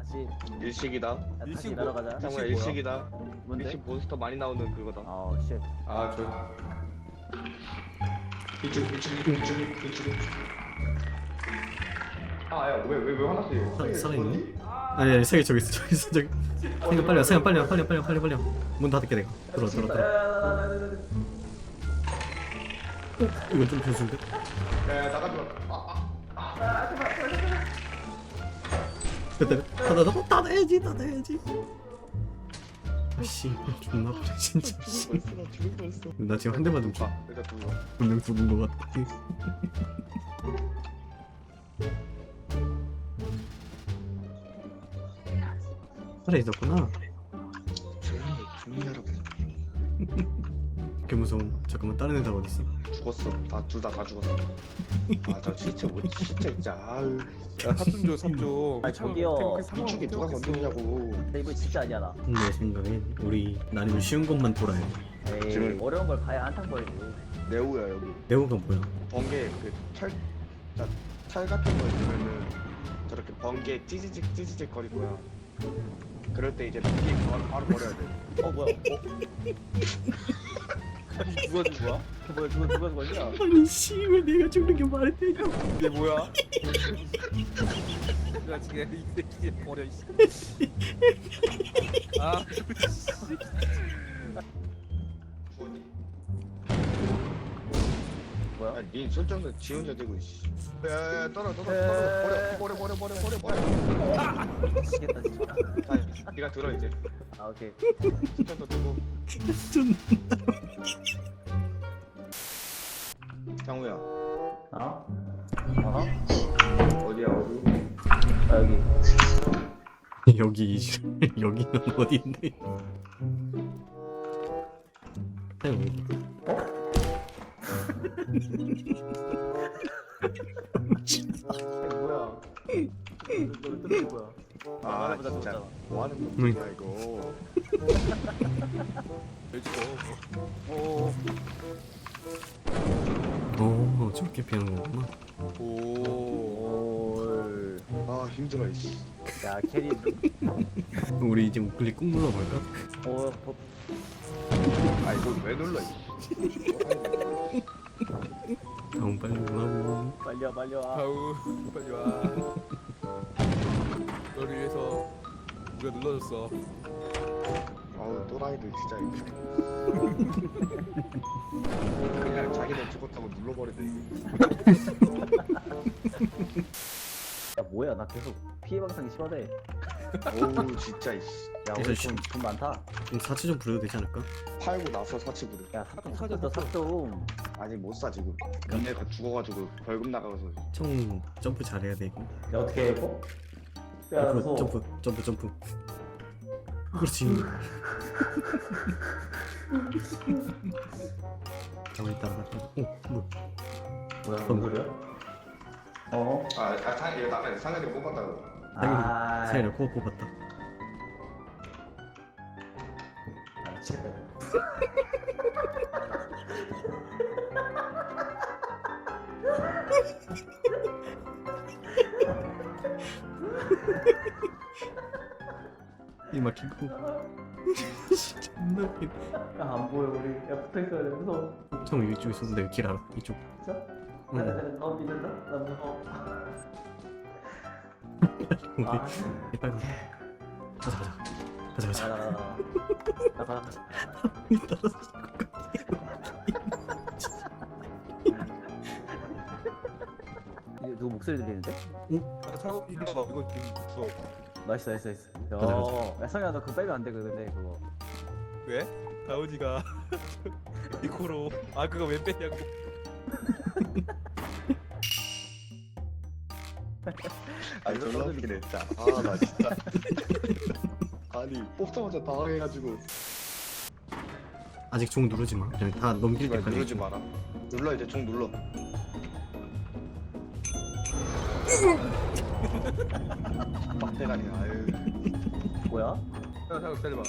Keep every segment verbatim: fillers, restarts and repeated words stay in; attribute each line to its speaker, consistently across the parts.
Speaker 1: 있지.
Speaker 2: 일식이다.
Speaker 1: 야, 다시
Speaker 3: 일식
Speaker 1: 일하러
Speaker 3: 뭐-
Speaker 1: 가자.
Speaker 2: 장우야
Speaker 3: 일식
Speaker 2: 일식이다.
Speaker 1: 뭔데?
Speaker 2: 일식 몬스터 많이 나오는 그거다.
Speaker 1: 아우 쉣.
Speaker 3: 아, 저
Speaker 2: 이쪽 이쪽 이쪽 이쪽 이쪽. 아야 왜 왜 왜 화났어 이거?
Speaker 4: 사- 살아있네? 아니 아니 세개 저기 있어 저기 있어 저기 생각 빨리 와 생각 빨리 와 빨리 와 빨리 와 빨리 와 빨리 와 문 닫을게 내가 들어 들어 들어 이건 좀 변수인데?
Speaker 2: 야야 나가지 마. 아,
Speaker 4: 됐다 닫아 닫아 닫아야지 닫아야지 아씨 존나 그래 진짜 씨.
Speaker 2: 벌써 나 죽을 뻔했어.
Speaker 4: 나 지금 한 대 맞으면 죽
Speaker 2: 아 내가 죽어.
Speaker 4: 분명 죽은 거 같아 살아있었구나
Speaker 2: 조용히 조용히 하라고.
Speaker 4: 개 무서워 잠깐만 다른 애들 어딨어?
Speaker 2: 죽었어. 다 둘 다 다 죽었어. 아저 진짜 뭐 진짜 진짜 아유.
Speaker 3: 야, 삽좀 줘, 삽 좀.
Speaker 1: 아니, 저기요.
Speaker 2: 이쪽에 누가 건드리냐고.
Speaker 1: 근데 이거 진짜 아니야.
Speaker 4: 내 생각엔 우리 나름 쉬운 것만 돌아야 돼
Speaker 1: 에이
Speaker 2: 지금-
Speaker 1: 어려운 걸 봐야 한탕 벌지.
Speaker 2: 네오야 여기.
Speaker 4: 네오가 뭐야?
Speaker 2: 번개 그철철 같은 거 있으면은 저렇게 번개 찌지직 찌지직 거릴 거야. 그럴 때 이제 피 바로 바로 버려야 돼.
Speaker 1: 어 뭐야? 어? 누가 죽은 거야? 뭐야 누가 누가 죽었냐?
Speaker 4: 아니 씨왜 내가 죽는 게 말이 되냐
Speaker 3: 이게 뭐야? 내가 지금 이 새끼 버려 씨. 아,
Speaker 1: 뭐야?
Speaker 2: 야, 니 손정도 지 혼자 들고 있어. 야야야 떨어 떨어 떨어 버려 버려 버려 버려 버려.
Speaker 1: 미치겠다 진짜.
Speaker 2: 자, 니가 들어 이제.
Speaker 1: 아 오케이.
Speaker 2: 손정도 들고.
Speaker 4: 좀
Speaker 2: 장우야
Speaker 1: 어? 어?
Speaker 2: 어디야 어디?
Speaker 1: 아 여기.
Speaker 4: 여기 이- 여기는 어디인데? 사용 여기.
Speaker 1: 이거 뭐야? 너 뜯는 거야?
Speaker 2: 아
Speaker 1: 나보다
Speaker 2: 진짜
Speaker 1: 좋잖아.
Speaker 2: 뭐 하는
Speaker 4: 응.
Speaker 2: 거야 이거?
Speaker 3: 왜 죽어?
Speaker 1: 오.
Speaker 4: 오 저렇게 피하는 거구나.
Speaker 3: 오.
Speaker 1: 올.
Speaker 2: 아 힘들어 이씨.
Speaker 1: 야 캐리.
Speaker 4: 우리 이제 우클릭 꾹 눌러볼까?
Speaker 1: 오. 버...
Speaker 2: 아 이거 왜 눌러 이씨.
Speaker 4: 다음 빨리 올라오고.
Speaker 1: 빨리 와 빨리 와.
Speaker 3: 아우, 빨리 와. 너를 위해서 우리가 눌러줬어.
Speaker 2: 아우 또라이들 진짜 그냥 자기들 죽었다고 눌러버리네.
Speaker 1: 야 뭐야 나 계속 피해 방상이 심하대.
Speaker 2: 어우 진짜 이씨.
Speaker 1: 야
Speaker 4: 그래서
Speaker 1: 우리
Speaker 4: 씨-
Speaker 1: 돈, 돈 많다.
Speaker 4: 그럼 사치 좀 부려도 되지 않을까?
Speaker 2: 팔고 나서 사치 부르.
Speaker 1: 야 삽좀 사줬다 삽좀.
Speaker 2: 아직 못 사 지금. 얘네가 죽어가지고 벌금 나가서.
Speaker 4: 총 점프 잘해야 돼 이거.
Speaker 1: 야 어떻게 해 이거? 야
Speaker 4: 앞으로
Speaker 1: 무서워.
Speaker 4: 점프 점프 점프. 그렇지. 가만히 따라갔다. 어 뭐?
Speaker 1: 뭐야
Speaker 4: 뭔
Speaker 1: 소리야? 어?
Speaker 2: 아, 아 상, 이거 나가 상현이 뽑았다고.
Speaker 1: 아.
Speaker 4: 사이를 코어 뽑았다.
Speaker 1: 아, 미치겠다.
Speaker 4: 이 막히고. 존나 웃기네.
Speaker 1: 야, 안 보여 우리. 야 붙어 있어야 돼 무서워.
Speaker 4: 형 이쪽 있어. 내가 길 알아. 이쪽.
Speaker 1: 진짜?
Speaker 4: 응.
Speaker 1: 나, 나, 너 믿는다? 나 무서워.
Speaker 4: 우리
Speaker 1: 아,
Speaker 4: 이 빨리 가자 가자. 가자 가자.
Speaker 1: 나, 나, 나, 나, 나, 나.
Speaker 4: 이 따라서.
Speaker 1: 이거 누구 목소리 들리는데?
Speaker 3: 아, 차고 일로 와. 이거 지금 무서워.
Speaker 1: 나이스 나이스 나이스. 야,
Speaker 4: 가자, 가자.
Speaker 1: 야 성현아 너 그거 빼면 안 돼 근데 그거.
Speaker 3: 왜? 다우지가 이코로. 아, 그거 왜 빼냐고.
Speaker 2: 아 졸라 웃기네 진짜. 아 나 진짜. 아니 뽑자마자 당황해가지고.
Speaker 4: 아직 종 누르지 마. 그냥 다 넘길
Speaker 2: 이걸
Speaker 4: 때까지.
Speaker 2: 누르지 마라. 눌러 이제 좀 눌러. 빡대가리 아유.
Speaker 1: 뭐야?
Speaker 3: 야, 잠깐 기다려봐.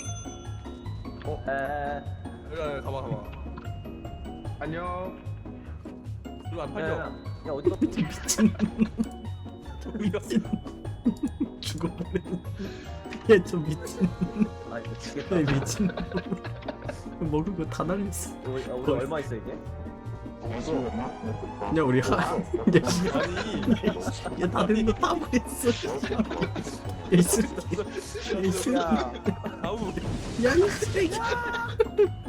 Speaker 1: 에.
Speaker 3: 야, 야, 가봐, 가봐.
Speaker 2: 안녕.
Speaker 3: 이거 안
Speaker 1: 야,
Speaker 3: 팔려.
Speaker 1: 야, 야 어디가?
Speaker 4: 미친.
Speaker 3: 저기가.
Speaker 4: 죽 거 버렸네. 얘좀 미친.
Speaker 1: 아 미치겠다.
Speaker 4: 야 미친. 먹은 거 다 날렸어.
Speaker 1: 우리, 아, 우리 얼마 있어 이제?
Speaker 2: 없어.
Speaker 4: 야 우리 하. 야 씨.
Speaker 3: 아니
Speaker 4: 야 다들 거다 버렸어. 야이 쓰레기. 야이 쓰레기.
Speaker 1: 야
Speaker 3: 아우
Speaker 4: 야이 쓰레기.